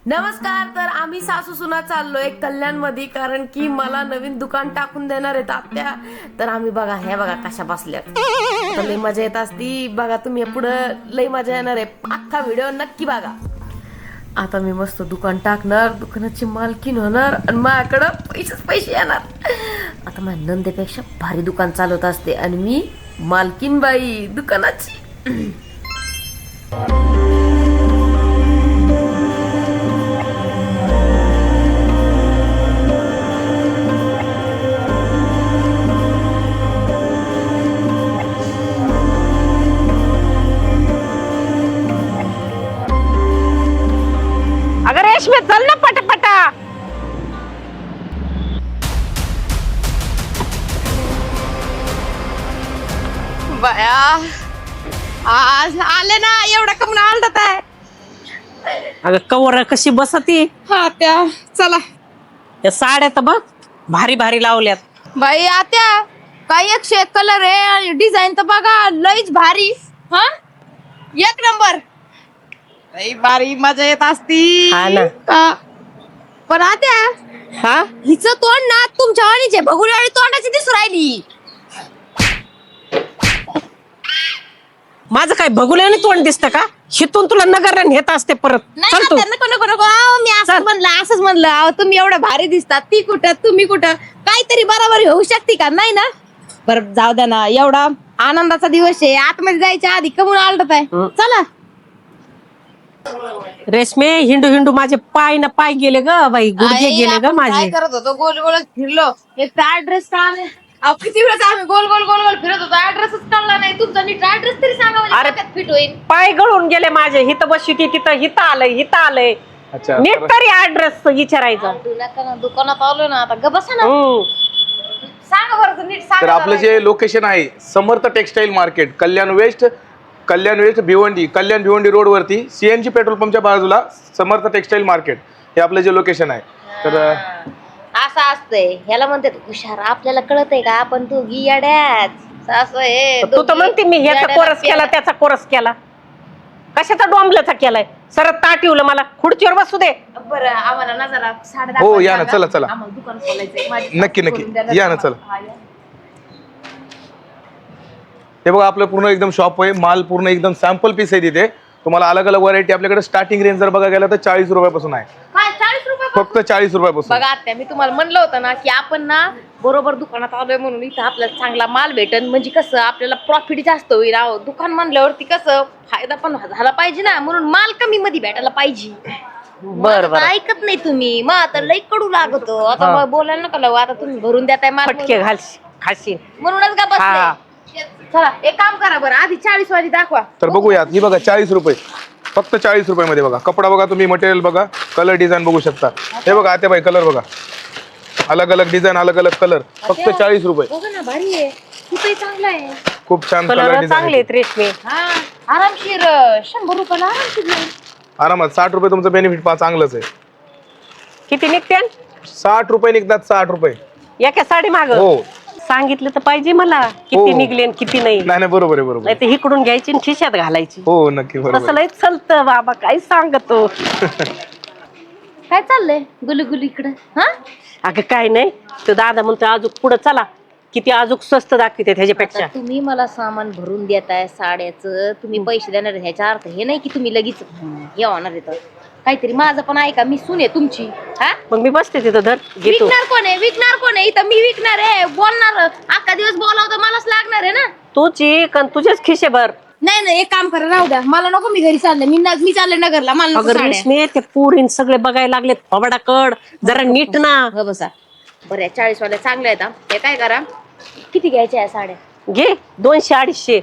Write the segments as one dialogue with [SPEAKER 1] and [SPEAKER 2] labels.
[SPEAKER 1] नमस्कार. तर आम्ही सासू सुना चाललोय कल्याण मध्ये, कारण की मला नवीन दुकान टाकून देणार आहेत आत्या. तर आम्ही बघा, हे बघा कशा बसल्यात. तर लई मजा येत असती बघा. तुम्ही पुढं लई मजा येणार आहे. अख्खा व्हिडिओ नक्की बघा. आता मी मस्त दुकान टाकणार, दुकानाची मालकीन होणार आणि माझ्याकडं पैसे येणार. आता माझ्या नंदेपेक्षा भारी दुकान चालवत असते आणि मी मालकीन बाई दुकानाची.
[SPEAKER 2] अगं रेशमी चल ना पटापटा.
[SPEAKER 3] बया आज आले ना, एवढा कमून आलत आहे.
[SPEAKER 2] अगं कवर कशी बसती.
[SPEAKER 3] हा त्या चला
[SPEAKER 2] या साड्या तर बघ भारी भारी लावल्यात.
[SPEAKER 3] बाई आत्या, काही एक शेक कलर आहे आणि डिझाईन तर बघा लईच भारी. हा एक नंबर, लई भारी मजा येत असती.
[SPEAKER 2] हा ना.
[SPEAKER 3] पण आत्या
[SPEAKER 2] हा
[SPEAKER 3] हिचं तोंड ना तुमच्या वाणीचे भगुलवाडी तोंडाची दिसू राहिली.
[SPEAKER 2] माझं काय भगुल्याने तोंड दिसतं का? हिथून तुला नगरला नेत असते परत.
[SPEAKER 3] नाही
[SPEAKER 2] चल तू.
[SPEAKER 3] आत्या, नको नको नको. अहो, मी असंच म्हणलं अहो, तुम्ही एवढं भारी दिसतात. ती कुठं तुम्ही कुठं, काहीतरी बरोबरी होऊ शकते का? नाही ना. बरं जाऊ द्या ना, एवढा आनंदाचा दिवस आहे. आतमध्ये जायच्या आधी कमून आलत आहे. चला
[SPEAKER 2] रेशमे हिंडू हिंडू माझे पाय ना पाय गेले ग बाई, गुडघे
[SPEAKER 3] आई,
[SPEAKER 2] गेले ग
[SPEAKER 3] आपण
[SPEAKER 2] माझे.
[SPEAKER 3] काय करत होतो, गोल गोलच फिरलो. एक तर ऍड्रेस कळाले. अहो किती वेळेस आम्ही गोल गोल गोल गोल फिरत होतो, ऍड्रेसच कळला नाही. तुमचा नीट ऍड्रेस तरी सांगा, म्हणजे
[SPEAKER 2] अरे,
[SPEAKER 3] डोक्यात फिट होईल.
[SPEAKER 2] पाय गळून गेले माझे. हिथं बसली ती तिथं, हिथं आलंय.
[SPEAKER 4] अच्छा,
[SPEAKER 2] नीट तरी ऍड्रेस विचारायचा.
[SPEAKER 3] दुकानात आलो ना, आता ग बसा ना. सांगा बरं नीट
[SPEAKER 4] तर
[SPEAKER 3] सांगा.
[SPEAKER 4] आपलं जे लोकेशन आहे Samarth textile market, Kalyan west Bhiwandi, Kalyan Bhiwandi road वरती सीएनजी पेट्रोल पंपच्या बाजूला समर्थ टेक्सटाईल मार्केट हे आपलं जे लोकेशन आहे. तर
[SPEAKER 3] असं असतंय, ह्याला म्हणतात हुशार. आपल्याला कळत आहे का? आपण तू गियाड्याच असं आहे.
[SPEAKER 2] तू तर म्हणते मी ह्याचा कोरस केला त्याचा कोरस केला. कशाचा डोंबल्याचा केलाय? सरत ताटिवलं मला. खुर्चीवर बसू दे.
[SPEAKER 3] बरं आम्हाला ना जरा साडे
[SPEAKER 4] हो, या ना, चला, चला.
[SPEAKER 3] आम्हाला दुकान खोलायचंय.
[SPEAKER 4] नक्की, नक्की. या ना, चला. हे बघा आपलं पूर्ण एकदम शॉप आहे. माल पूर्ण एकदम सॅम्पल पीस आहे तिथे. तुम्हाला अलग अलग व्हरायटी आपल्याकडे स्टार्टिंग रेंज जर बघा गेला तर 40 रुपयापासून आहे.
[SPEAKER 3] काय 40 रुपये?
[SPEAKER 4] फक्त 40 रुपयापासून.
[SPEAKER 3] बघा आत्या, मी तुम्हाला म्हणलं होतं ना की आपण ना बरोबर दुकानात आलोय म्हणून इथं आपल्याला चांगला माल भेटेल. म्हणजे कसं आपल्याला प्रॉफिट जास्त होईल. अहो दुकान म्हणल्यावरती कसं फायदा पण झाला पाहिजे ना, म्हणून माल कमी मध्ये भेटायला पाहिजे.
[SPEAKER 2] बर बर.
[SPEAKER 3] ऐकत नाही तुम्ही, मग आता लई कडू लागतो. आता मग बोलायला नका लावू. आता तुम्ही भरून देताय माल
[SPEAKER 2] फटके खाशी.
[SPEAKER 3] म्हणूनच का
[SPEAKER 2] हा.
[SPEAKER 3] बसले. चला एक काम करा बरं, आधी 40 वाली दाखवा.
[SPEAKER 4] तर बघूयात. ही बघा 40 रुपये, फक्त 40 रुपयामध्ये बघा. कपडा बघा तुम्ही, मटेरियल बघा, कलर डिझाईन बघू शकता. हे बघा आते बाई, कलर बघा, अलग अलग डिझाईन, अलग अलग कलर, फक्त 40 रुपये.
[SPEAKER 3] बघा ना, भारी आहे. खूपही चांगला आहे.
[SPEAKER 4] खूप छान
[SPEAKER 2] कलर
[SPEAKER 4] कलर
[SPEAKER 2] चांगले
[SPEAKER 4] डिझाईन.
[SPEAKER 2] आहेत रेशमी.
[SPEAKER 3] हा आरामशीर 100 रुपयाला आरामशीर मिळेल.
[SPEAKER 4] आरामात 60 रुपये तुमचं बेनिफिट चांगलंच आहे.
[SPEAKER 2] किती निघते?
[SPEAKER 4] 60 रुपये निघतात. 60 रुपये
[SPEAKER 2] एका साडी माग
[SPEAKER 4] हो.
[SPEAKER 2] सांगितलं तर पाहिजे मला किती
[SPEAKER 4] हो.
[SPEAKER 2] निघले आणि किती नाही.
[SPEAKER 4] नाही नाही, बरोबर आहे, बरोबर
[SPEAKER 2] नाही
[SPEAKER 4] आहे.
[SPEAKER 2] तर इकडून घ्यायची आणि खिशात घालायची.
[SPEAKER 4] हो नक्की, बरोबर
[SPEAKER 2] तसं
[SPEAKER 4] आहे.
[SPEAKER 2] लय चलतं बाबा, काय सांगतो.
[SPEAKER 3] काय चाललंय गुलगुल इकडं? हा
[SPEAKER 2] अगं काय नाही, तो दादा म्हणतो अजून पुढं चला, किती अजून स्वस्त दाखवते ह्याच्यापेक्षा.
[SPEAKER 3] आता तुम्ही मला सामान भरून देताय साड्याचं, तुम्ही पैसे देणार आहे, ह्याचा अर्थ हे नाही की तुम्ही लगेच हे होणार आहे. काहीतरी माझं पण ऐका, मी सून आहे तुमची. हा
[SPEAKER 2] मग मी बसते तिथं, धर घेतो.
[SPEAKER 3] विकणार कोण आहे इथं? मी विकणार आहे, बोलणार. अख्खा दिवस बोलावं तर मलाच लागणार आहे ना.
[SPEAKER 2] तूच एक आणि तुझेच खिशे भर.
[SPEAKER 3] नाही एक काम करा, राहू द्या. मला नको, मी घरी चालले. मी चालले नगरला. मला नको
[SPEAKER 2] अगं
[SPEAKER 3] साड्या.
[SPEAKER 2] रेशमी, ते पोरीन सगळे बघायला लागले फबडाकड. जरा नीट ना.
[SPEAKER 3] हो बसा. बरं 40 वाल्या चांगल्या आहेत. हे काय करा, किती घ्यायच्या आहे साड्या?
[SPEAKER 2] घे 200-250.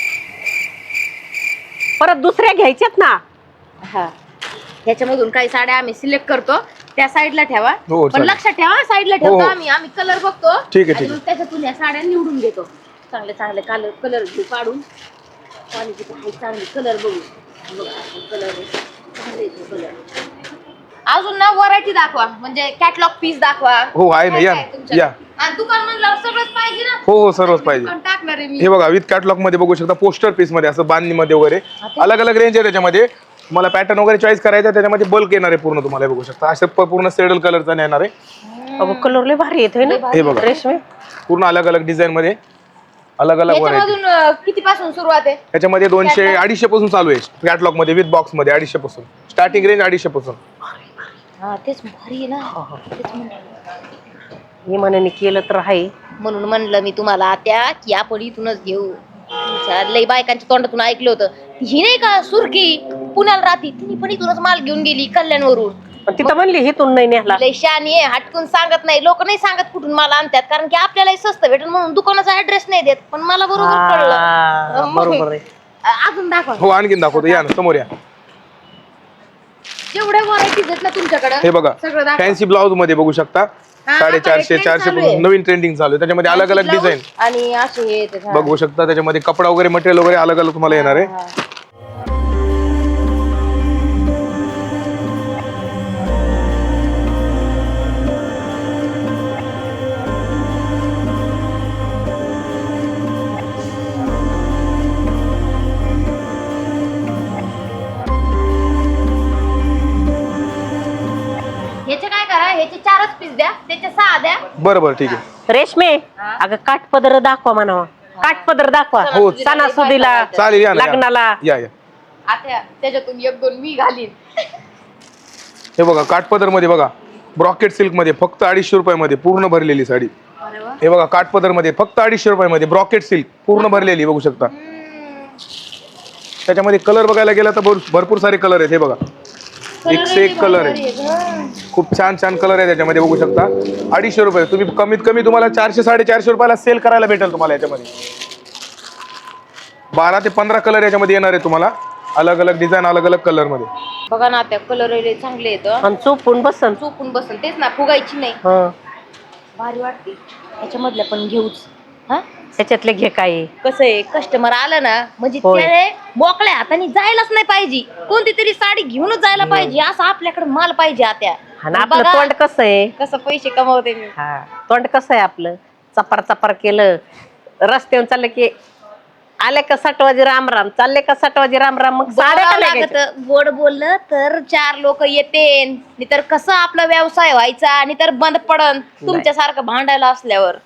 [SPEAKER 2] परत दुसऱ्या घ्यायच्यात ना.
[SPEAKER 3] हा, ह्याच्यामधून काही साड्या आम्ही सिलेक्ट करतो, त्या साईडला ठेवा.
[SPEAKER 4] हो,
[SPEAKER 3] पण
[SPEAKER 4] चालेल.
[SPEAKER 3] लक्षात ठेवा, साईडला
[SPEAKER 4] हो,
[SPEAKER 3] ठेवतो
[SPEAKER 4] हो.
[SPEAKER 3] आम्ही कलर बघतो.
[SPEAKER 4] ठीक आहे,
[SPEAKER 3] आणि
[SPEAKER 4] ठीक
[SPEAKER 3] मग त्याच्यातून या साड्या निवडून घेतो. चांगले चांगले कलर घेऊ काढून. क्वालिटी चांगली कलर बघू. कलर अजून ना व्हरायटी दाखवा, म्हणजे कॅटलॉग पीस दाखवा.
[SPEAKER 4] हो, आहे ना,
[SPEAKER 3] काय
[SPEAKER 4] या
[SPEAKER 3] काय
[SPEAKER 4] ना,
[SPEAKER 3] तुमच्याकडे?
[SPEAKER 4] या.
[SPEAKER 3] आणि दुकान म्हणल्यावर सगळंच पाहिजे ना.
[SPEAKER 4] हो सर्वच पाहिजे.
[SPEAKER 3] दुकान टाकणार आहे मी.
[SPEAKER 4] हे बघा विथ कॅटलॉग मध्ये बघू शकता, पोस्टर पीस मध्ये असं बांधणी मध्ये वगैरे अलग अलग रेंज आहे त्याच्यामध्ये. तुम्हाला पॅटर्न वगैरे चॉईस करायचा त्याच्यामध्ये बल्क येणार आहे पूर्ण, तुम्हाला हे बघू शकता असं पूर्ण सेडल कलरचा येणार आहे.
[SPEAKER 2] अगं कलर लय भारी येतोय ना
[SPEAKER 4] हे बघा
[SPEAKER 2] रेशमी.
[SPEAKER 4] पूर्ण अलग अलग डिझाईन मध्ये अलग अलग व्हरायटी.
[SPEAKER 3] याच्यामधून किती पासून सुरुवात आहे?
[SPEAKER 4] त्याच्यामध्ये 200-250 पासून चालू आहे कॅटलॉग मध्ये विथ बॉक्स मध्ये 250 पासून स्टार्टिंग रेंज 250 पासून.
[SPEAKER 3] हा तेच भारी आहे ना, तेच म्हणलं.
[SPEAKER 2] मी म्हणे केलं तर आहे.
[SPEAKER 3] म्हणून म्हणलं मी तुम्हाला त्या की आपण इथूनच घेऊ. तुमच्या लई बायकांच्या तोंडातून ऐकलं होतं, ही नाही का सुरकी पुण्याला राहती, तिने पण इथूनच माल घेऊन गेली कल्याणवरून.
[SPEAKER 2] पण तिथं म्हणली हिथून नाही नेला.
[SPEAKER 3] लई शहाणी आहे, हटकून सांगत नाही. लोक नाही सांगत कुठून माल आणतात, कारण की आपल्यालाही स्वस्त भेटेल म्हणून दुकानाचा ऍड्रेस नाही देत. पण मला बरोबर कळलं.
[SPEAKER 2] बरोबर आहे.
[SPEAKER 3] अजून दाखवा.
[SPEAKER 4] हो आणखीन दाखवतो, या ना समोर या.
[SPEAKER 3] जेवढ्या व्हरायटीज आहेत ना तुमच्याकडे
[SPEAKER 4] हे बघा
[SPEAKER 3] सगळं दाखवा.
[SPEAKER 4] फॅन्सी ब्लाउज मध्ये बघू शकता 450-400
[SPEAKER 3] चालू आहे.
[SPEAKER 4] पासून नवीन ट्रेंडिंग चालू आहे. त्याच्यामध्ये अलग अलग डिझाईन
[SPEAKER 3] आणि असे हे येतात, हा.
[SPEAKER 4] बघू शकता. त्याच्यामध्ये कपडा वगैरे मटेरियल वगैरे अलग अलग तुम्हाला येणार आहे.
[SPEAKER 3] ह्याचे काय करा, ह्याचे 4च पीस द्या, त्याचे 6 द्या.
[SPEAKER 4] बरं बरं ठीक आहे.
[SPEAKER 2] रेशमे अगं काठपदर दाखवा म्हणावं. काठपदर दाखवा.
[SPEAKER 4] हो.
[SPEAKER 2] सणासुदीला
[SPEAKER 4] चालेल, या ना,
[SPEAKER 2] लग्नाला.
[SPEAKER 4] या या.
[SPEAKER 3] आता त्याच्यातून 1-2 मी घालीन.
[SPEAKER 4] हे बघा काठपदर मध्ये बघा ब्रॉकेट सिल्क मध्ये फक्त 250 रुपयामध्ये पूर्ण भरलेली साडी. हे बघा काठपदर मध्ये फक्त 250 रुपयामध्ये ब्रॉकेट सिल्क पूर्ण भरलेली बघू शकता. त्याच्यामध्ये कलर बघायला गेला तर भरपूर सारे कलर आहेत. हे बघा एकशे एक कलर आहे, खूप छान छान कलर आहे त्याच्यामध्ये बघू शकता. 250 रुपये तुम्ही कमीत कमी तुम्हाला 400-450 रुपयाला सेल करायला भेटेल तुम्हाला. याच्यामध्ये 12 ते 15 कलर याच्यामध्ये येणार आहे तुम्हाला, अलग अलग डिझाईन अलग अलग कलर मध्ये.
[SPEAKER 3] बघा ना त्या कलर चांगले येत,
[SPEAKER 2] आणि चोपून बसन.
[SPEAKER 3] चोपून बसन. तेच ना, फुगायची नाही.
[SPEAKER 2] हं.
[SPEAKER 3] भारी वाटते. ह्याच्यामधल्या पण घेऊच. हा
[SPEAKER 2] त्याच्यातले घे काय.
[SPEAKER 3] कसं आहे, कस्टमर आलं ना म्हणजे
[SPEAKER 2] होय.
[SPEAKER 3] त्याने मोकळ्या हाताने जायलाच नाही पाहिजे. कोणती तरी साडी घेऊनच जायला पाहिजे, असं आपल्याकडे माल पाहिजे. आत्या
[SPEAKER 2] आणि आपलं तोंड कसं आहे.
[SPEAKER 3] कसं पैसे कमवते मी.
[SPEAKER 2] हा तोंड कसं आहे आपलं, चपार चपार केलं. रस्त्यावर चाललं की आले का 60 वाजे राम राम, चालले का 60 वाजे राम राम. मग साड्या का
[SPEAKER 3] लागत.
[SPEAKER 2] लागायच्या?
[SPEAKER 3] गोड बोललं तर 4 लोक येते, नाही तर कसं आपला व्यवसाय व्हायचा, आणि तर बंद पडन तुमच्यासारखं भांडायला असल्यावर.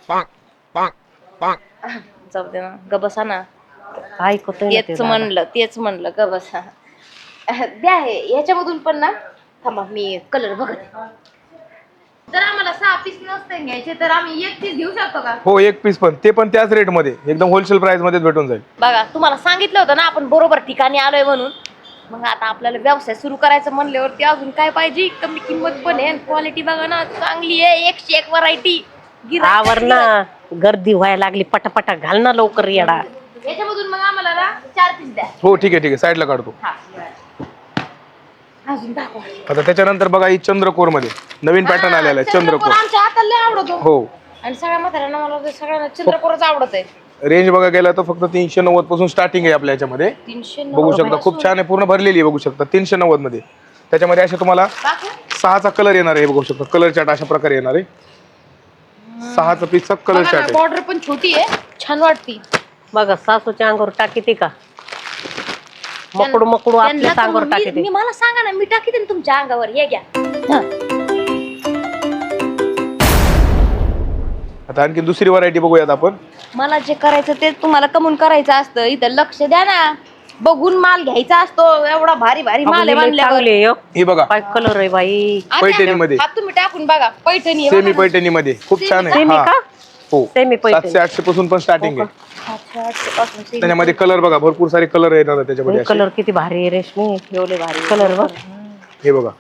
[SPEAKER 3] जाऊ दे ना, गबसा ना.
[SPEAKER 2] ऐकतोय ना ते
[SPEAKER 3] तेच
[SPEAKER 2] दादा.
[SPEAKER 3] तेच म्हणलं गबसा. द्या हे ह्याच्यामधून पण ना. थांबा मी कलर बघत. जर आम्हाला 6 पीस नसते घ्यायचे तर आम्ही 1 पीस घेऊ शकतो का?
[SPEAKER 4] हो 1 पीस पण ते पण त्याच रेट मध्ये एकदम होलसेल प्राइस मध्ये भेटून जाईल.
[SPEAKER 3] बघा तुम्हाला सांगितलं होतं ना आपण बरोबर ठिकाणी आलोय म्हणून. मग आता आपल्याला व्यवसाय सुरू करायचं म्हणल्यावरती अजून काय पाहिजे, कमी किंमत पण आहे, क्वालिटी बघा ना चांगली आहे, 101 व्हरायटी.
[SPEAKER 2] आवर ना, गर्दी व्हायला लागली. पटापटा घाल ना लवकर येडा.
[SPEAKER 3] याच्यामधून मग आम्हाला ना 4 पीस द्या.
[SPEAKER 4] हो ठीक आहे साईडला काढतो.
[SPEAKER 3] अजून दाखवा.
[SPEAKER 4] आता त्याच्यानंतर बघा ही चंद्रकोर मध्ये नवीन पॅटर्न आलेला आहे. चंद्रकोर
[SPEAKER 3] आमच्या हाताला आवडतो.
[SPEAKER 4] हो.
[SPEAKER 3] आणि सगळ्या म्हाताऱ्यांना मला सगळ्यांना चंद्रकोरच आवडत आहे.
[SPEAKER 4] रेंज बघा गेला तर फक्त 390 पासून स्टार्टिंग आहे आपल्या याच्यामध्ये.
[SPEAKER 3] 390
[SPEAKER 4] बघू शकता खूप छान आहे, पूर्ण भरलेली आहे बघू शकता. 390 मध्ये त्याच्यामध्ये असे तुम्हाला 6चा कलर येणार आहे. बघू शकता कलर चार्ट अशा प्रकारे येणार आहे. 6चा पीसचा कलर चार्ट आहे.
[SPEAKER 3] बॉर्डर पण छोटी आहे, छान वाटती.
[SPEAKER 2] बघा सासूच्या अंगावर टाकी ती का मकडू आपल्या अंगावर टाकी ती.
[SPEAKER 3] मला सांगा ना, मी टाकी देईन तुमच्या अंगावर. हे घ्या.
[SPEAKER 4] आता आणखी दुसरी व्हरायटी बघूयात आपण.
[SPEAKER 3] मला जे करायचं ते तुम्हाला कमून करायचं असतं. इथं लक्ष द्या ना, बघून माल घ्यायचा असतो. एवढा भारी भारी माल आहे म्हणल्यावर.
[SPEAKER 4] ही बघा
[SPEAKER 2] काय कलर आहे बाई.
[SPEAKER 4] पैठणी मध्ये.
[SPEAKER 3] हात तुम्ही टाकून बघा. पैठणी आहे
[SPEAKER 4] सेमी
[SPEAKER 3] बघा ना.
[SPEAKER 4] पैठणी मध्ये खूप छान आहे.
[SPEAKER 2] सेमी
[SPEAKER 4] हा.
[SPEAKER 2] का?
[SPEAKER 4] हो
[SPEAKER 2] सेमी पैठणी.
[SPEAKER 4] 700-800 पासून पण स्टार्टिंग आहे.
[SPEAKER 3] 700 पासून सेमी.
[SPEAKER 4] त्याच्यामध्ये कलर बघा भरपूर सारे कलर येणार आहे त्याच्यामध्ये असे.
[SPEAKER 2] कलर किती भारी आहे रेशमी. एवढे भारी कलर बघ.
[SPEAKER 4] हे बघा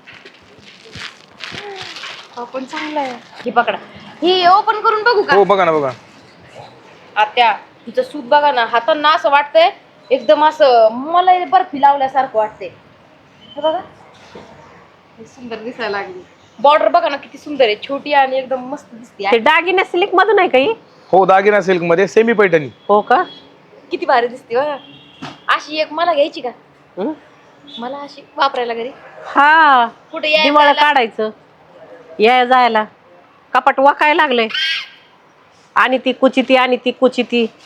[SPEAKER 3] पण चांगला आहे. हे पकडा. हे ओपन करून बघू का?
[SPEAKER 4] हो बघा ना बघा.
[SPEAKER 3] आत्या तिचं सूत बघा ना, हातांना असं वाटतंय एकदम असं मला बर्फी लावल्यासारखं वाटतंय. हे बघा सुंदर दिसायला लागली. बॉर्डर बघा ना किती सुंदर आहे, छोटी आणि एकदम मस्त दिसते.
[SPEAKER 2] ते दागिने सिल्क मधून आहे काही.
[SPEAKER 4] हो दागिना सिल्क मध्ये सेमी पैठणी.
[SPEAKER 2] हो का.
[SPEAKER 3] किती भारी दिसते बघा. अशी एक मला घ्यायची का?
[SPEAKER 2] हं?
[SPEAKER 3] मला अशी वापरायला घरी.
[SPEAKER 2] हा
[SPEAKER 3] कुठे यायला
[SPEAKER 2] दिवाळ
[SPEAKER 3] जायला?
[SPEAKER 2] काढायचं या जायला. कपाट वाकाय लागलंय. आणि ती कुचिती आणि ती कुचिती.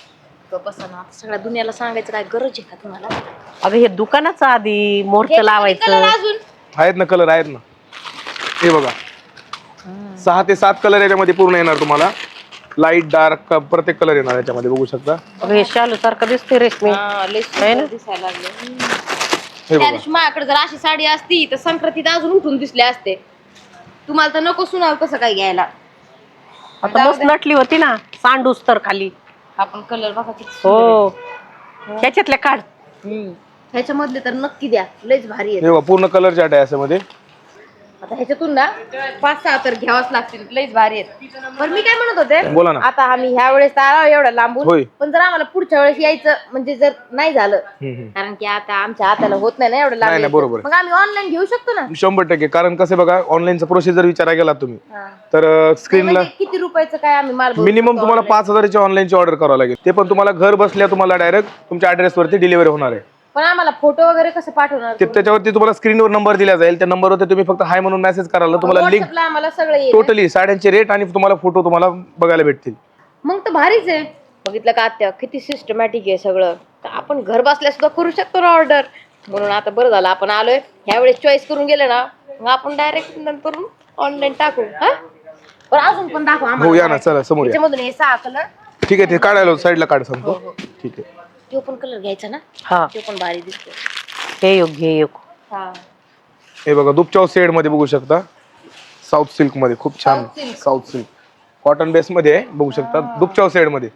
[SPEAKER 3] बसा ना, सगळ्या दुनियाला सांगायचं काय गरज आहे का तुम्हाला?
[SPEAKER 2] अगं हे दुकानाचं आधी मुहूर्त
[SPEAKER 3] कलर
[SPEAKER 2] लावायचं.
[SPEAKER 3] अजून
[SPEAKER 4] आहेत ना कलर आहेत ना, हे बघा 6 ते 7 कलर याच्यामध्ये पूर्ण येणार तुम्हाला. लाईट डार्क प्रत्येक कलर येणार याच्यामध्ये बघू शकता.
[SPEAKER 2] अगं हे शालू सारखं दिसते रेशमी.
[SPEAKER 3] लय
[SPEAKER 2] आहे ना?
[SPEAKER 3] सुंदर दिसायला लागले.
[SPEAKER 4] हे
[SPEAKER 3] त्या
[SPEAKER 4] बघा
[SPEAKER 3] दिवशी माझ्याकडे जर अशी साडी असती तर संक्रांतीत अजून उठून दिसले असते. तुम्हाला तर नको सुनाल तसं काय घ्यायला.
[SPEAKER 2] आता मस्त नटली होती ना सांडूस तर खाली.
[SPEAKER 3] आपण कलर बघा किती सुंदर
[SPEAKER 2] हो ह्याच्यातल्या काढ.
[SPEAKER 3] आहे. ह्याच्यामधले तर नक्की द्या, लयच भारी आहे.
[SPEAKER 4] हे बघा पूर्ण कलर चार्ट आहे याच्यामध्ये.
[SPEAKER 3] आता ह्याच्यातून ना 5-6 तर घ्यावाच लागतील, लयच भारी आहेत. पण मी काय म्हणत होते,
[SPEAKER 4] बोला ना.
[SPEAKER 3] आता आम्ही ह्या वेळेस तर आलो एवढं लांबून,
[SPEAKER 4] होय.
[SPEAKER 3] पण जर आम्हाला पुढच्या वेळेस यायचं म्हणजे जर नाही झालं, कारण की आता आमच्या हाताला होत नाही ना एवढं लांब
[SPEAKER 4] नाही,
[SPEAKER 3] यायचं.
[SPEAKER 4] बरोबर आहे.
[SPEAKER 3] मग आम्ही ऑनलाईन घेऊ शकतो ना?
[SPEAKER 4] 100%. कारण कसं बघा ऑनलाईनचा प्रोसिजर विचारा गेला तुम्ही
[SPEAKER 3] हा.
[SPEAKER 4] तर स्क्रीनला
[SPEAKER 3] म्हणजे किती रुपयाचं काय आम्ही माल भरू
[SPEAKER 4] मिनिमम
[SPEAKER 3] शकतो
[SPEAKER 4] तुम्हाला
[SPEAKER 3] online?
[SPEAKER 4] 5,000ची ऑनलाईनची ऑर्डर करावं लागेल. ते पण तुम्हाला घर बसल्या तुम्हाला डायरेक्ट तुमच्या ऍड्रेसवरती डिलिव्हरी होणार आहे.
[SPEAKER 3] पण आम्हाला फोटो वगैरे कसं पाठवणार?
[SPEAKER 4] ते त्याच्यावरती तुम्हाला स्क्रीनवर नंबर दिला जाईल. त्या नंबरवरती तुम्ही फक्त हाय म्हणून मेसेज कराल, तुम्हाला लिंक
[SPEAKER 3] WhatsApp ला आम्हाला सगळं येईल.
[SPEAKER 4] टोटली साड्यांचे रेट आणि तुम्हाला फोटो तुम्हाला बघायला भेटतील.
[SPEAKER 3] मग तर भारीच आहे. बघितलं का आत्या किती सिस्टमॅटिक आहे सगळं. तर आपण घर बसल्या सुद्धा करू शकतो ना ऑर्डर. म्हणून आता बरं झालं आपण आलोय. ह्यावेळेस चॉईस करून गेले ना मग आपण डायरेक्ट नंतर ऑनलाईन टाकू. हा पण अजून पण दाखव
[SPEAKER 4] हो
[SPEAKER 3] आम्हाला.
[SPEAKER 4] या ना, चला समोर या.
[SPEAKER 3] त्याच्यामधून हे 6 कलर.
[SPEAKER 4] ठीक आहे, ते काढायला साईडला काढ सांगतो. ठीक आहे.
[SPEAKER 3] तो पण कलर घ्यायचा ना,
[SPEAKER 2] हा
[SPEAKER 3] तो पण भारी दिसतो.
[SPEAKER 2] हे योग्य हे योग्य.
[SPEAKER 3] हा
[SPEAKER 4] हे बघा दुपचाव शेड मध्ये बघू शकता. साऊथ सिल्क मध्ये खूप छान.
[SPEAKER 3] South silk.
[SPEAKER 4] South silk cotton base मध्ये आहे, बघू शकता दुपचाव शेड मध्ये.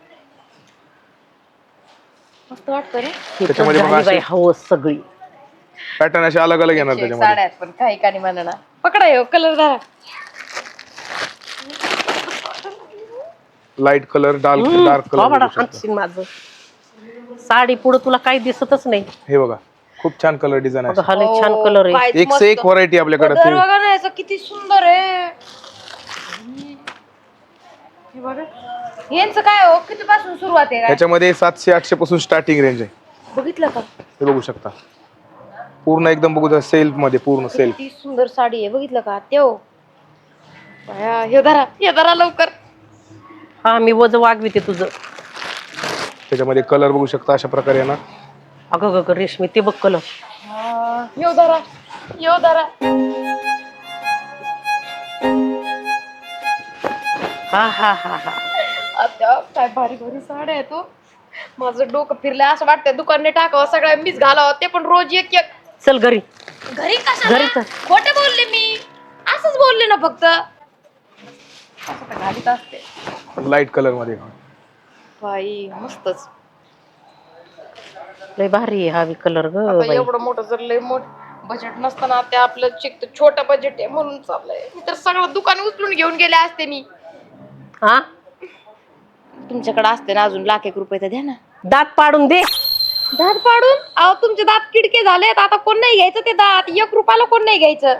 [SPEAKER 3] मस्त वाटतं रे.
[SPEAKER 2] हे तर
[SPEAKER 4] त्याच्यामध्ये बघा
[SPEAKER 2] झाली बाई
[SPEAKER 4] अशी
[SPEAKER 2] हवस सगळी.
[SPEAKER 4] पॅटर्न असे अलग अलग येणार
[SPEAKER 3] साड्या
[SPEAKER 4] त्याच्यामध्ये.
[SPEAKER 3] आहेत पण काही कानी म्हणा ना. पकडा हे कलर धरा.
[SPEAKER 4] लाईट कलर डार्क
[SPEAKER 2] बाबा
[SPEAKER 4] कलर.
[SPEAKER 2] हातशीन माझं. साडी पुढे तुला काही दिसतच नाही.
[SPEAKER 4] हे बघा खूप छान कलर डिझाईन
[SPEAKER 2] अगं
[SPEAKER 4] आहे.
[SPEAKER 2] हा लय छान कलर आहे.
[SPEAKER 3] काय
[SPEAKER 4] एक से एक व्हरायटी आपल्याकडे.
[SPEAKER 3] कलर बघा ना याचा किती सुंदर आहे. हे बघा यांचं काय हो किती पासून सुरुवात आहे काय?
[SPEAKER 4] ह्याच्यामध्ये 700-800 पासून स्टार्टिंग रेंज आहे.
[SPEAKER 3] बघितलं का
[SPEAKER 4] हे बघू शकता पूर्ण एकदम बघू सेल्फ मध्ये पूर्ण सेल्फ.
[SPEAKER 3] किती सुंदर साडी आहे. बघितलं का त्यो बाया, हे धरा लवकर.
[SPEAKER 2] हा मी वज वागविते तुझं.
[SPEAKER 4] त्याच्यामध्ये कलर बघू शकता अशा प्रकारे आहे ना.
[SPEAKER 2] अगं गं रेशमी ते बघ कलर.
[SPEAKER 3] यो धरा
[SPEAKER 2] हा हा हा हा.
[SPEAKER 3] आता काय भारी भारी साड्या आहे तो. माझं डोकं फिरलंय असं वाटतंय दुकानने टाकावं सगळ्या मीच घालावं. ते पण रोज एक एक.
[SPEAKER 2] चल घरी.
[SPEAKER 3] घरी कशाला?
[SPEAKER 2] घरी चल.
[SPEAKER 3] खोटे बोलले मी, असंच बोलले ना फक्त. असं तर घालीत असते
[SPEAKER 4] लाईट कलर मध्ये.
[SPEAKER 3] बाई मस्तच.
[SPEAKER 2] लय भारी आहे हा कलर ग
[SPEAKER 3] आता
[SPEAKER 2] बाई.
[SPEAKER 3] एवढं मोठं जर लय मोठ बजेट नसताना ते आपलं चिक छोटं बजेट आहे म्हणून चाललंय. मी तर सगळं दुकान उचलून घेऊन गेले असते मी.
[SPEAKER 2] हा
[SPEAKER 3] तुमच्याकडे असते ना अजून लाख 1 रुपये तर द्या ना.
[SPEAKER 2] दात पाडून दे.
[SPEAKER 3] दात पाडून? अहो तुमचे दात किडके झालेत. आता कोण नाही घ्यायचं ते दात. 1 रुपयाला कोण नाही घ्यायचं.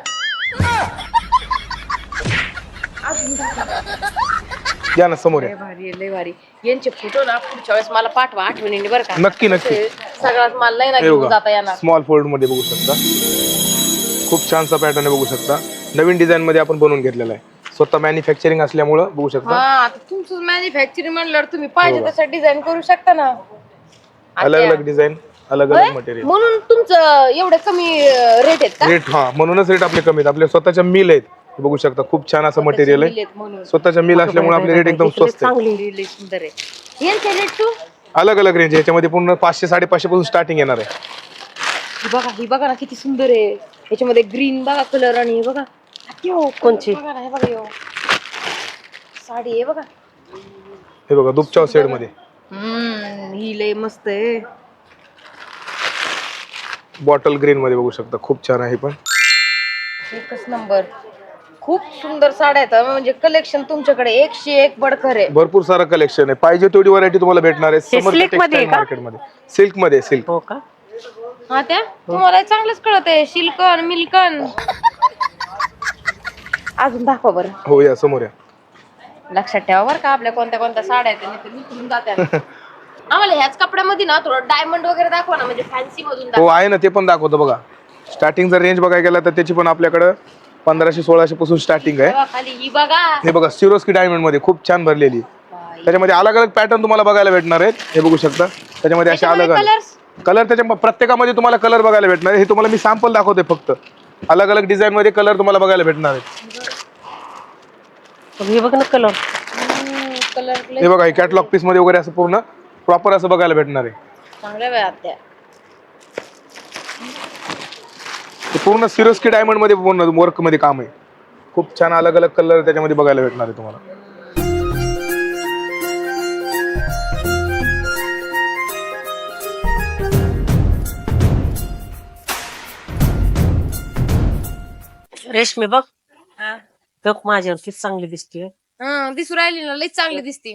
[SPEAKER 4] या ना समोर या.
[SPEAKER 3] लय भारी आहे, लय भारी. यांचे फोटो ना पुढच्या वेळेस मला पाठवा आठवणीने बरं का.
[SPEAKER 4] नक्की नक्की.
[SPEAKER 3] सगळ्यात मला नाही ना
[SPEAKER 4] हे
[SPEAKER 3] घेऊन जाता
[SPEAKER 4] बघा
[SPEAKER 3] येणार.
[SPEAKER 4] स्मॉल फोल्ड मध्ये बघू शकता. खूप छानसा पॅटर्न आहे बघू शकता. नवीन डिझाईन मध्ये आपण बनवून घेतलेला आहे. स्वतः मॅन्युफॅक्चरिंग असल्यामुळं बघू शकता.
[SPEAKER 3] हा आता तुमचं मॅन्युफॅक्चरिंग म्हणल्यावर तुम्ही पाहिजे तसं डिझाईन करू शकता ना.
[SPEAKER 4] अलग अलग डिझाईन अलग अलग मटेरियल.
[SPEAKER 3] म्हणून तुमचं एवढे कमी रेट आहेत का?
[SPEAKER 4] रेट हा म्हणूनच रेट आपले कमी आहेत. आपले स्वतःच्या मिल आहेत. हे बघू शकता खूप छान असं मटेरियल आहे.
[SPEAKER 3] म्हणून
[SPEAKER 4] स्वतःच्या मिल असल्यामुळे आपले रेट एकदम स्वस्त आहे.
[SPEAKER 2] चांगली.
[SPEAKER 3] लय सुंदर आहे. यांचे रेट तू
[SPEAKER 4] अलग अलग रेंज आहे. याच्यामध्ये पूर्ण 500-550 पासून स्टार्टिंग येणार आहे.
[SPEAKER 3] ही बघा ना किती सुंदर आहे. याच्यामध्ये ग्रीन बघा कलर आणि हे बघा
[SPEAKER 2] कोणची?
[SPEAKER 3] बघा ना हे बघा यो साडी आहे बघा.
[SPEAKER 4] हे बघा दुपचाव सेड मध्ये
[SPEAKER 3] ही लय मस्त आहे.
[SPEAKER 4] बॉटल ग्रीन मध्ये बघू शकता खूप छान आहे. पण
[SPEAKER 3] एकच नंबर. खूप सुंदर साड्या आहेत. म्हणजे कलेक्शन तुमच्याकडे 101 बडकर आहे.
[SPEAKER 4] भरपूर सारं कलेक्शन आहे. पाहिजे तेवढी व्हरायटी तुम्हाला भेटणार आहे.
[SPEAKER 2] हे silk मध्ये आहे का?
[SPEAKER 4] मार्केटमध्ये सिल्क मध्ये सिल्क.
[SPEAKER 2] हो का.
[SPEAKER 3] हा त्या तुम्हाला चांगलंच कळत आहे. सिल्कन मिल्कन. अजून दाखवा बरं.
[SPEAKER 4] हो या समोर या.
[SPEAKER 3] लक्षात ठेवा बरं का आपल्या कोणत्या कोणत्या साड्या आहेत नाही तर निघून जात्या. आम्हाला ह्याच कपड्यामध्ये ना थोडं डायमंड वगैरे दाखवा ना म्हणजे फॅन्सी मधून
[SPEAKER 4] हो
[SPEAKER 3] दाखवा.
[SPEAKER 4] आहे ना, ते पण दाखवतो बघा. स्टार्टिंग जर रेंज बघायला गेला तर त्याची पण आपल्याकडे 1500-1600 पासून स्टार्टिंग आहे.
[SPEAKER 3] तेव्हा खाली ही बघा.
[SPEAKER 4] हे बघा सिरोस्की डायमंड मध्ये खूप छान भरलेली. त्याच्यामध्ये अलग अलग पॅटर्न तुम्हाला बघायला भेटणार आहेत. हे बघू शकता त्याच्यामध्ये असे अलग अलग कलर त्याच्या प्रत्येकामध्ये तुम्हाला कलर बघायला भेटणार आहे. हे तुम्हाला मी सॅम्पल दाखवते फक्त. अलग अलग डिझाईन मध्ये कलर तुम्हाला बघायला भेटणार आहेत.
[SPEAKER 2] हे बघ ना कलर.
[SPEAKER 4] हे बघा कॅटलॉग पीस मध्ये वगैरे असं पूर्ण प्रॉपर असं बघायला भेटणार आहे.
[SPEAKER 3] चांगल्या वेळात त्या
[SPEAKER 4] हे पूर्ण सिरोस्की डायमंड मध्ये पूर्ण वर्क मध्ये काम आहे. खूप छान अलग अलग कलर त्याच्यामध्ये बघायला भेटणार आहे तुम्हाला.
[SPEAKER 2] रेशमी बघ बघ माझ्यावरती चांगली दिसते.
[SPEAKER 3] दिसू राहिली ना, लई चांगली दिसते.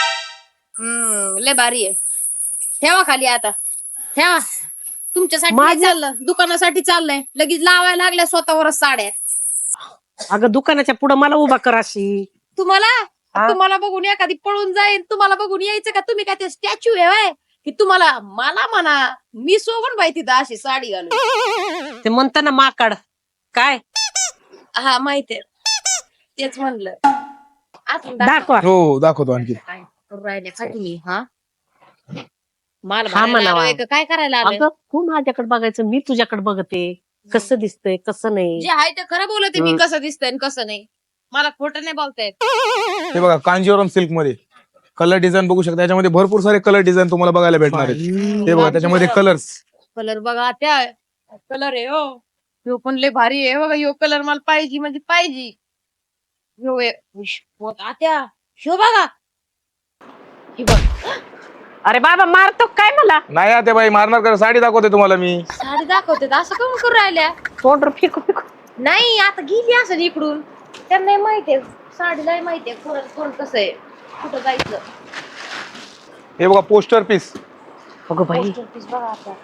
[SPEAKER 3] लय भारी आहे. ठेवा खाली आता, ठेवा. तुमच्यासाठी नाही चाललं, दुकानासाठी चाललंय. लगेच लावायला लागल्या स्वतःवरच साड्या.
[SPEAKER 2] अगं दुकानाच्या पुढे मला उभा कर अशी.
[SPEAKER 3] तुम्हाला बघून एखादी पळून जाईल. तुम्हाला बघून यायचं का? तुम्ही काय ते स्टॅच्यू आहे की तुम्हाला मला म्हणा मी सोबत बाई तिथं अशी साडी घालून?
[SPEAKER 2] ते म्हणता ना माकड काय.
[SPEAKER 3] हा माहितीये, तेच म्हणलं.
[SPEAKER 2] दाखवा.
[SPEAKER 4] हो दाखवतो आणखी.
[SPEAKER 3] काय करू राहिल्या तुम्ही? हा मला
[SPEAKER 2] हा
[SPEAKER 3] म्हणायला
[SPEAKER 2] म्हणावा.
[SPEAKER 3] आलोय का? काय करायला आलोय?
[SPEAKER 2] अगं तू माझ्याकडे बघायचं, मी तुझ्याकडे बघते. कसं दिसतंय कसं नाही.
[SPEAKER 3] जे आहे ते खरं बोलते मी, कसं दिसतंय आणि कसं नाही. मला खोटं नाही बोलतायत.
[SPEAKER 4] हे बघा कांजीवरम सिल्क मध्ये कलर डिझाईन बघू शकता. याच्यामध्ये भरपूर सारे कलर डिझाईन तुम्हाला बघायला भेटणार आहेत. हे बघा त्याच्यामध्ये कलर्स.
[SPEAKER 3] कलर बघा, त्या कलर आहे हो. ह्यो पण लय भारी आहे बघा. ह्यो कलर मला पाहिजे म्हणजे पाहिजे. ह्यो आत्या ह्यो बघा. हे बघ,
[SPEAKER 2] अरे बाबा मारतो काय मला.
[SPEAKER 4] नाही आता बाई मारणार का? साडी दाखवते तुम्हाला मी.
[SPEAKER 3] साडी दाखवते असं करून करू राहिल्या.
[SPEAKER 2] तोंड फेकू फेकू.
[SPEAKER 3] नाही आता गेली असं इकडून. त्यांना माहितीये साडीला माहितीये कोण कसं आहे, कुठं जायचं.
[SPEAKER 4] हे बघा पोस्टर पीस
[SPEAKER 2] अगं बाई
[SPEAKER 3] पीस बघा आता.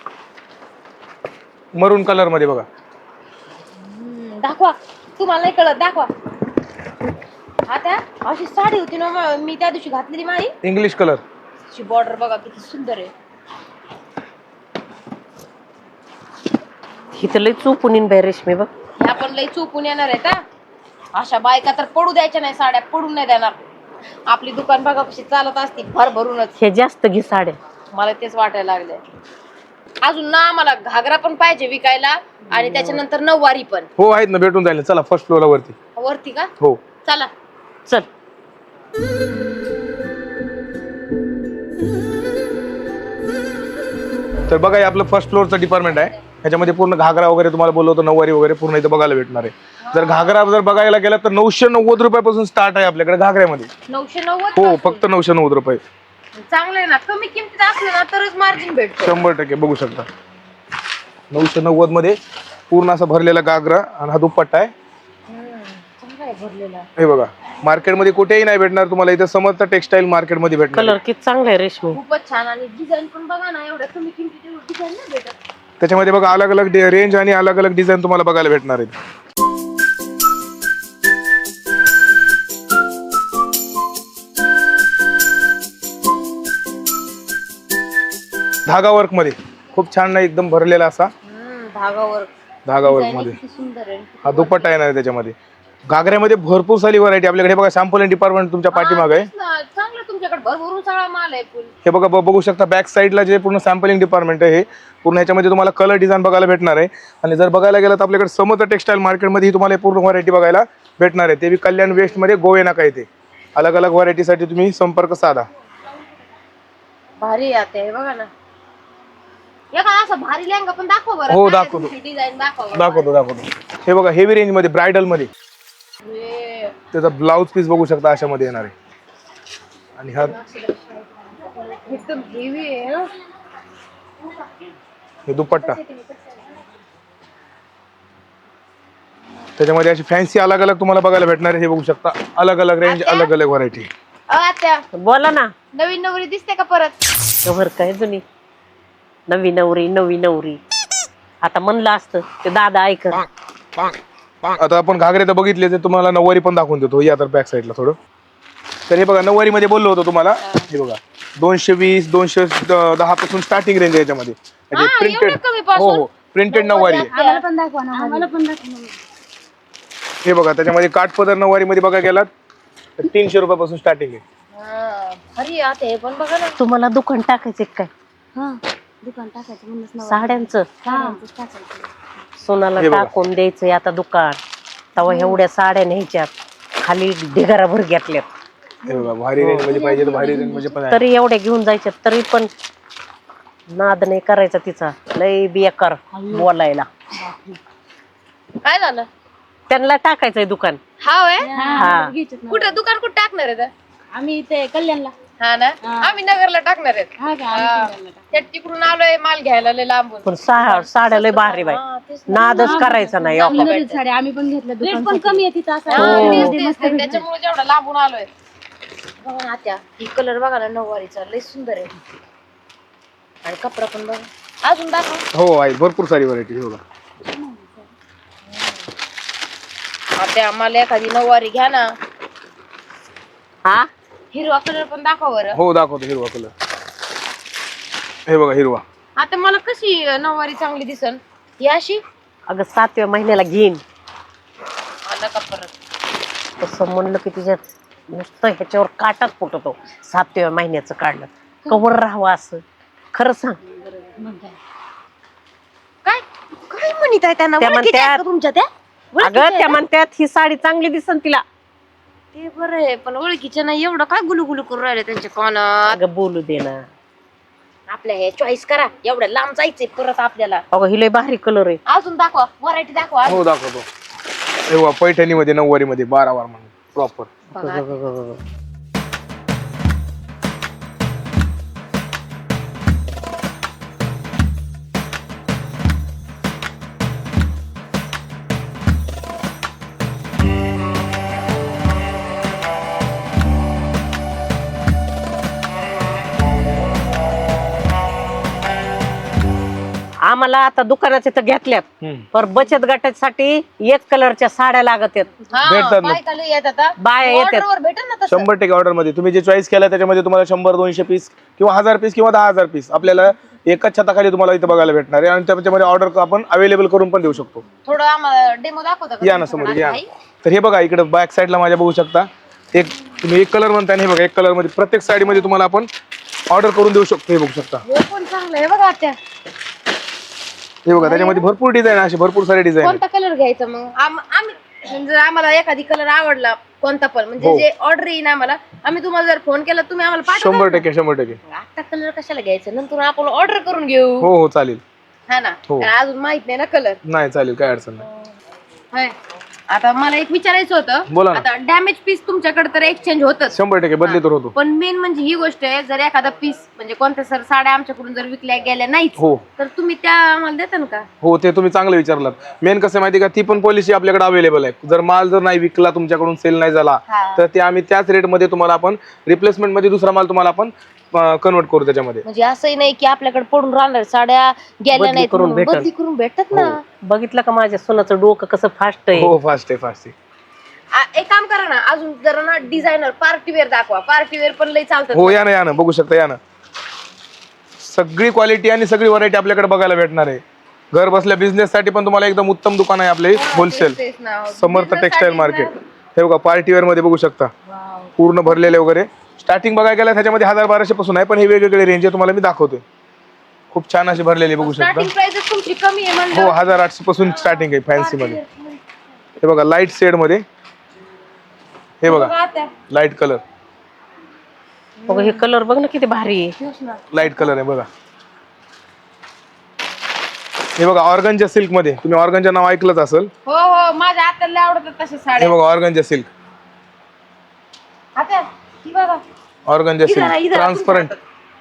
[SPEAKER 4] मरून कलर मध्ये बघा.
[SPEAKER 3] दाखवा, तुम्हाला नाही कळत दाखवा. आता अशी साडी होती ना मी त्या दिवशी घातलेली माझी.
[SPEAKER 4] English colour.
[SPEAKER 3] बॉर्डर बघा किती सुंदर आहे.
[SPEAKER 2] ही तर लई चुकून येईन बाई रेशमी बघ.
[SPEAKER 3] ह्या पण लई चुकून येणार आहे का? अशा बायका तर पडू द्यायच्या नाही, साड्या पडून नाही देणार. आपली दुकान बघा कशी चालत असती भरभरूनच.
[SPEAKER 2] हे जास्त घे साड्या.
[SPEAKER 3] मला तेच वाटायला लागले. अजून ना आम्हाला घागरा पण पाहिजे विकायला आणि त्याच्यानंतर नऊवारी पण.
[SPEAKER 4] हो आहेत ना, भेटून जाईल. चला फर्स्ट फ्लोअर वरती.
[SPEAKER 3] वरती का?
[SPEAKER 4] हो
[SPEAKER 3] चला
[SPEAKER 2] चल.
[SPEAKER 4] तर बघा हे आपलं फर्स्ट फ्लोअरचं डिपार्टमेंट आहे. ह्याच्यामध्ये पूर्ण घागरा वगैरे तुम्हाला बोललो होतो, नऊवारी वगैरे पूर्ण इथं बघायला भेटणार आहे. जर घागरा जर बघायला गेला तर 990 रुपयापासून स्टार्ट आहे आपल्याकडे घागऱ्यामध्ये.
[SPEAKER 3] 990.
[SPEAKER 4] हो फक्त 990 रुपये.
[SPEAKER 3] चांगलं आहे ना. कमी किमतीत असलं ना तरच मार्जिन भेटतो.
[SPEAKER 4] 100% बघू शकता. 990 मध्ये पूर्ण असा भरलेला घागरा आणि हा दुपट्टा आहे.
[SPEAKER 3] चांगला आहे भरलेला.
[SPEAKER 4] हे बघा मार्केटमध्ये कुठेही नाही भेटणार तुम्हाला. इथं समर्थ टेक्सटाईल मार्केटमध्ये भेटणार.
[SPEAKER 2] कलर किती चांगला आहे रेशमी.
[SPEAKER 3] खूपच छान. आणि डिझाईन पण बघा ना, एवढ्या कमी किमतीत डिझाईन नाही भेटत.
[SPEAKER 4] त्याच्यामध्ये बघा अलग अलग रेंज आणि अलग अलग डिझाईन तुम्हाला बघायला भेटणार आहेत. धागा वर्क मध्ये खूप छान नाही एकदम भरलेला असा धागा वर्क मध्ये.
[SPEAKER 3] सुंदर आहे.
[SPEAKER 4] हा दुपट्टा येणार आहे त्याच्यामध्ये. घागऱ्यामध्ये भरपूर सारी व्हरायटी आपल्याकडे. बघा सॅम्पल डिपार्टमेंट तुमच्या पाठीमागे आहे.
[SPEAKER 3] चांगलं तुमच्याकडे भरभरून सगळा माल आहे. फुल
[SPEAKER 4] हे बघा बघू शकता बॅक साईडला जे पूर्ण सॅम्पलिंग डिपार्टमेंट आहे. हे पूर्ण ह्याच्यामध्ये तुम्हाला कलर डिझाईन बघायला भेटणार आहे. आणि जर बघायला गेलं तर आपल्याकडे समर्थ टेक्सटाईल मार्केटमध्ये तुम्हाला पूर्ण व्हरायटी बघायला भेटणार आहे. ते बी कल्याण वेस्ट मध्ये गोवे नाका येते. अलग अलग व्हरायटीसाठी तुम्ही संपर्क साधा.
[SPEAKER 3] भारी आहे बघा ना. एखादा असं भारी लेहंगा पण दाखव बरं.
[SPEAKER 4] हो दाखवतो
[SPEAKER 3] डिझाईन
[SPEAKER 4] दाखवतो. हे बघा हेवी रेंज मध्ये ब्रायडल मध्ये त्याचा ब्लाउज पीस बघू शकता अशा मध्ये येणार आहे. आणि हा
[SPEAKER 3] एकदम हेवी आहे.
[SPEAKER 4] हे दुपट्टा. त्याच्यामध्ये अशी फॅन्सी अलग अलग तुम्हाला बघायला भेटणार आहे. हे बघू शकता अलग अलग रेंज अलग अलग व्हरायटी.
[SPEAKER 3] आता
[SPEAKER 2] बोला ना.
[SPEAKER 3] नवीन नवरी दिसते का परत?
[SPEAKER 2] कव्हर काय जुनी नवी नवरी. आता म्हणलं असतं ते दादा ऐक.
[SPEAKER 4] आता आपण घागरे तर बघितले तर तुम्हाला नऊवारी पण दाखवून देतो. या तर बॅक साईडला थोडं. तर हे बघा नऊवारी मध्ये बोललो होतो तुम्हाला. हे बघा 220 210 पासून स्टार्टिंग रेंज आहे याच्यामध्ये. प्रिंटेड. हो प्रिंटेड नऊवारी. हे बघा त्याच्यामध्ये काठपदर नऊवारी मध्ये बघा गेलात तर 300 रुपयापासून स्टार्टिंग आहे.
[SPEAKER 3] अरे आता हे पण बघा ना.
[SPEAKER 2] तुम्हाला दुकान टाकायचे काय
[SPEAKER 3] हा दुकान टाकायचं म्हणूनच ना.
[SPEAKER 2] साड्यांचं
[SPEAKER 3] साड्यांचंच टाकायचं.
[SPEAKER 2] सोनाला
[SPEAKER 4] हे बघा.
[SPEAKER 2] टाकून द्यायचंय आता दुकान. तेव्हा एवढ्या साड्या न्यायच्यात खाली ढिगारा भर घेतल्यात
[SPEAKER 4] हे बघा भारी रेंज मध्ये पाहिजे तर भारी रेंज मध्ये पण आहे.
[SPEAKER 2] तरी एवढ्या घेऊन जायच्यात तरी पण नाद नाही करायचा तिचा लय बेकार बोलायला.
[SPEAKER 3] काय झालं?
[SPEAKER 2] त्यांना टाकायचंय दुकान.
[SPEAKER 3] हा होय?
[SPEAKER 2] हा
[SPEAKER 3] कुठं दुकान कुठं टाकणार आहे?
[SPEAKER 5] आम्ही इथे कल्याणला.
[SPEAKER 3] हा ना आम्ही नगरला टाकणार आहेत.
[SPEAKER 5] हा का? आम्ही कल्याणला टाकू.
[SPEAKER 3] त्या तिकडून आलोय माल घ्यायला लय लांबून.
[SPEAKER 2] पण साड्या लय भारी बाई. नादच करायचा नाही हो.
[SPEAKER 5] सुंदर साड्या आम्ही पण घेतल्या. रेट पण कमी आहे तिथं असं.
[SPEAKER 3] त्याच्यामुळे जेवढा लांबून आलोय. बघा ना आत्या ही कलर बघा ना नऊवारीचा लय सुंदर आहे. आणि कपडा पण बघा अजून दाखव.
[SPEAKER 4] हो आहे भरपूर सारी व्हरायटी बघा.
[SPEAKER 3] आत्या आम्हाला एखादी नऊवारी घ्या ना.
[SPEAKER 2] हा
[SPEAKER 3] हिरवा कलर पण दाखव बरं.
[SPEAKER 4] हो दाखवतो हिरवा कलर. हे बघा हिरवा.
[SPEAKER 3] आता मला कशी नऊवारी चांगली दिसन ही अशी
[SPEAKER 2] अगं 7व्या महिन्याला घेईन
[SPEAKER 3] आला का परत.
[SPEAKER 2] तसं म्हणलं की तिच्यात नुसतं ह्याच्यावर काटाच फुटतो. 7व्या महिन्याचं काढलं कवर राहावं असं. खरं सांग
[SPEAKER 3] काय काय म्हणत आहे त्यांना
[SPEAKER 2] त्या
[SPEAKER 3] ओळखीच्या आहेत
[SPEAKER 2] म्हणत्यात-
[SPEAKER 3] का तुमच्या त्या
[SPEAKER 2] अगं त्या म्हणतात ही साडी चांगली दिसन तिला.
[SPEAKER 3] ते बरं आहे पण ओळखीच्या नाही एवढं काय गुलू गुलू करून राहिले त्यांच्या कानात.
[SPEAKER 2] अगं बोलू दे ना.
[SPEAKER 3] आपल्या हे चॉईस करा एवढं लांब जायचंय परत आपल्याला.
[SPEAKER 2] अगं ही लय भारी कलर आहे.
[SPEAKER 3] अजून दाखवा व्हरायटी दाखवा.
[SPEAKER 4] हो दाखवतो. हे बघा पैठणी मध्ये 9वारी मध्ये 12 वार म्हणून प्रॉपर.
[SPEAKER 3] बघा.
[SPEAKER 2] आम्हाला आता दुकानाचे तर घेतल्यात पर बचत गटासाठी एक कलरच्या साड्या लागत आहेत.
[SPEAKER 4] भेटतात ना.
[SPEAKER 3] बायका लय येतात आता.
[SPEAKER 2] बाया येतात.
[SPEAKER 3] ऑर्डरवर भेटेल ना तसं.
[SPEAKER 4] 100% ऑर्डर मध्ये तुम्ही जे चॉईस केला त्याच्यामध्ये तुम्हाला 100-200 पीस किंवा 1000 पीस किंवा 10,000 पीस आपल्याला एकाच छताखाली तुम्हाला इथे बघायला भेटणार आहे. आणि त्याच्यामध्ये ऑर्डर आपण अवेलेबल करून पण देऊ शकतो.
[SPEAKER 3] थोडं आम्हाला डेमो दाखवता का
[SPEAKER 4] या ना समोर या. तर हे बघा इकडे बॅक साईडला माझ्या बघू शकता. एक तुम्ही एक कलर म्हणता आणि हे बघा एक कलर मध्ये प्रत्येक साडीमध्ये तुम्हाला आपण ऑर्डर करून देऊ शकतो. हे बघू शकता.
[SPEAKER 3] हे पण चांगलं आहे बघा आत्या.
[SPEAKER 4] हे बघा त्याच्यामध्ये भरपूर डिझाईन असे भरपूर सारे डिझाईन
[SPEAKER 3] कोणता कलर घ्यायचा मग आम्ही जर आम्हाला एखादी कलर आवडला कोणता पण म्हणजे
[SPEAKER 4] हो.
[SPEAKER 3] जे ऑर्डर येईन आम्हाला आम्ही तुम्हाला जर फोन केला तुम्ही आम्हाला पाठवा.
[SPEAKER 4] 100%.
[SPEAKER 3] आता कलर कशाला घ्यायचं नंतर आपण ऑर्डर करून घेऊ.
[SPEAKER 4] हो हो चालेल.
[SPEAKER 3] हा ना
[SPEAKER 4] हो.
[SPEAKER 3] कारण अजून माहित नाही ना कलर.
[SPEAKER 4] नाही चालेल काय अडचण नाही.
[SPEAKER 3] आता मला एक विचारायचं होतं.
[SPEAKER 4] बोला ना.
[SPEAKER 3] आता डॅमेज पीस तुमच्याकडे तर एक्सचेंज होतच
[SPEAKER 4] 100% बदली तर होतो.
[SPEAKER 3] पण मेन म्हणजे ही गोष्ट आहे जर एखादा पीस म्हणजे कोणत्या सर साड्या आमच्याकडून जर विकल्या गेल्या नाहीच
[SPEAKER 4] हो
[SPEAKER 3] तर तुम्ही त्या आम्हाला देता ना का.
[SPEAKER 4] हो ते तुम्ही चांगलं विचारलात. मेन कसं आहे माहिती का ती पण पॉलिसी आपल्याकडे अवेलेबल आहे. जर माल जर नाही विकला तुमच्याकडून सेल नाही झाला
[SPEAKER 3] हा.
[SPEAKER 4] तर ते आम्ही त्याच रेटमध्ये तुम्हाला आपण रिप्लेसमेंट मध्ये दुसरा माल तुम्हाला आपण कन्वर्ट करू त्याच्यामध्ये.
[SPEAKER 3] म्हणजे असंही नाही की आपल्याकडे पडून राहणार साड्या गेल्या
[SPEAKER 2] बदली
[SPEAKER 3] नाहीत
[SPEAKER 2] करून
[SPEAKER 3] म्हणून.
[SPEAKER 2] भेटल.
[SPEAKER 3] बदली करून भेटतात ना.
[SPEAKER 2] बघितलं का माझ्या सोनाचं डोकं कसं फास्ट आहे.
[SPEAKER 4] हो फास्ट आहे.
[SPEAKER 3] एक काम करा ना अजून जरा ना डिझायनर पार्टीवेअर दाखवा. पार्टीवेअर पण लय चालतात.
[SPEAKER 4] हो या ना बघू शकता या ना. सगळी क्वालिटी आणि सगळी व्हरायटी आपल्याकडे बघायला भेटणार आहे. घर बसल्या बिझनेस साठी पण तुम्हाला एकदम उत्तम दुकान आहे आपले होलसेल
[SPEAKER 3] तेच ना.
[SPEAKER 4] समर्थ
[SPEAKER 3] Business
[SPEAKER 4] टेक्सटाईल
[SPEAKER 3] साठी
[SPEAKER 4] मार्केट.
[SPEAKER 3] ना.
[SPEAKER 4] हे बघा पार्टीवेअर मध्ये बघू शकता पूर्ण भरलेले वगैरे. स्टार्टिंग बघायला गेला त्याच्यामध्ये 1000-1200 पासून आहे पण हे वेगवेगळे रेंज आहे तुम्हाला मी दाखवतोय. खूप छान अशी भरलेली बघू शकता.
[SPEAKER 3] स्टार्टिंग प्राइस तुमची कमी आहे
[SPEAKER 4] हो
[SPEAKER 3] म्हणलं.
[SPEAKER 4] 1800 पासून स्टार्टिंग आहे फॅन्सी मध्ये. हे बघा लाईट शेड मध्ये. हे बघा
[SPEAKER 3] आता
[SPEAKER 4] लाईट कलर.
[SPEAKER 2] बघ हे कलर बघ ना किती भारी आहे.
[SPEAKER 4] लाईट कलर आहे बघा. हे बघा ऑर्गनच्या सिल्क मध्ये. तुम्ही ऑर्गनचं नाव ऐकलंच असेल.
[SPEAKER 3] हो हो माझ्या आत्याला आवडतात तशा
[SPEAKER 4] हे
[SPEAKER 3] साड्या.
[SPEAKER 4] बघा ऑर्गनच्या सिल्क.
[SPEAKER 3] आत्या ही बघा.
[SPEAKER 4] ऑर्गनच्या
[SPEAKER 3] इधर
[SPEAKER 4] सिल्क
[SPEAKER 3] इधर
[SPEAKER 4] ट्रान्सपरंट.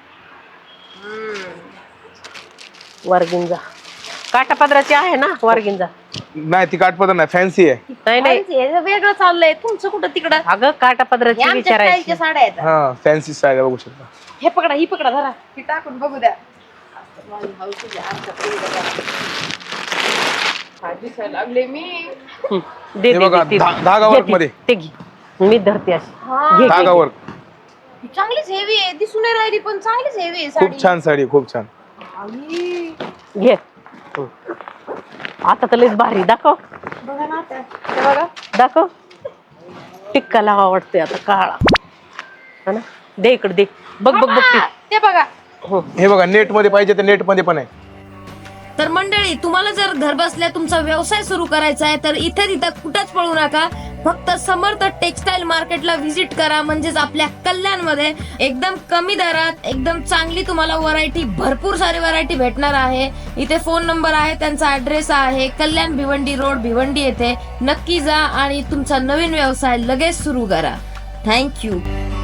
[SPEAKER 2] वारगिंजा काटा पदराची आहे ना वारगिंजा.
[SPEAKER 4] नाही ती काठपदर नाही फॅन्सी आहे.
[SPEAKER 2] नाही
[SPEAKER 3] हे वेगळं चाललंय तुमचं कुठं तिकडं.
[SPEAKER 2] अगं काटा पदराची
[SPEAKER 3] हे आमच्या
[SPEAKER 2] विचारायची.
[SPEAKER 3] स्टाईलच्या साड्या आहेत.
[SPEAKER 4] हा फॅन्सी स्टाईल बघू शकता.
[SPEAKER 3] हे पकडा ही पकडा धरा ही टाकून बघू द्या. माझी हौस आहे, आमच्या पिढीला द्या. काय दिसायला लागले मी.
[SPEAKER 2] दे
[SPEAKER 4] हे
[SPEAKER 2] दे,
[SPEAKER 4] बघा,
[SPEAKER 2] दे, दे.
[SPEAKER 4] धागा
[SPEAKER 2] घे
[SPEAKER 4] वर्क
[SPEAKER 2] ती,
[SPEAKER 4] मध्ये.
[SPEAKER 2] ते घे मी धरते अशी.
[SPEAKER 3] हा.
[SPEAKER 2] घे, घे,
[SPEAKER 4] धागा
[SPEAKER 2] घे.
[SPEAKER 4] वर्क.
[SPEAKER 3] ही चांगलीच हेवी आहे दिसून नाही राहिली पण चांगलीच हेवी आहे साडी.
[SPEAKER 4] खूप छान साडी खूप छान.
[SPEAKER 3] आई,
[SPEAKER 2] घे आता तर लयच भारी. दाखव
[SPEAKER 3] बघा ना आता. हे बघा
[SPEAKER 2] दाखव. टिक्का लावा वाटतोय आता काळा. है ना दे इकडे दे. बघ बघ बघ ते.
[SPEAKER 3] ते बघा.
[SPEAKER 4] हे बघा नेट मध्ये पाहिजे तर नेट मध्ये पण आहे.
[SPEAKER 3] तर मंडळी, तुम्हाला जर घर बसल्या तुमचा व्यवसाय सुरू करायचा आहे तर इथे तिथं कुठंच पळू नका. फक्त समर्थ टेक्सटाईल मार्केटला व्हिजिट करा. म्हणजेच आपल्या कल्याणमध्ये एकदम कमी दरात एकदम चांगली तुम्हाला व्हरायटी, भरपूर सारी व्हरायटी भेटणार आहे. इथे फोन नंबर आहे, त्यांचा ऍड्रेस आहे कल्याण भिवंडी रोड, भिवंडी येथे. नक्की जा आणि तुमचा नवीन व्यवसाय लगेच सुरू करा. थँक्यू.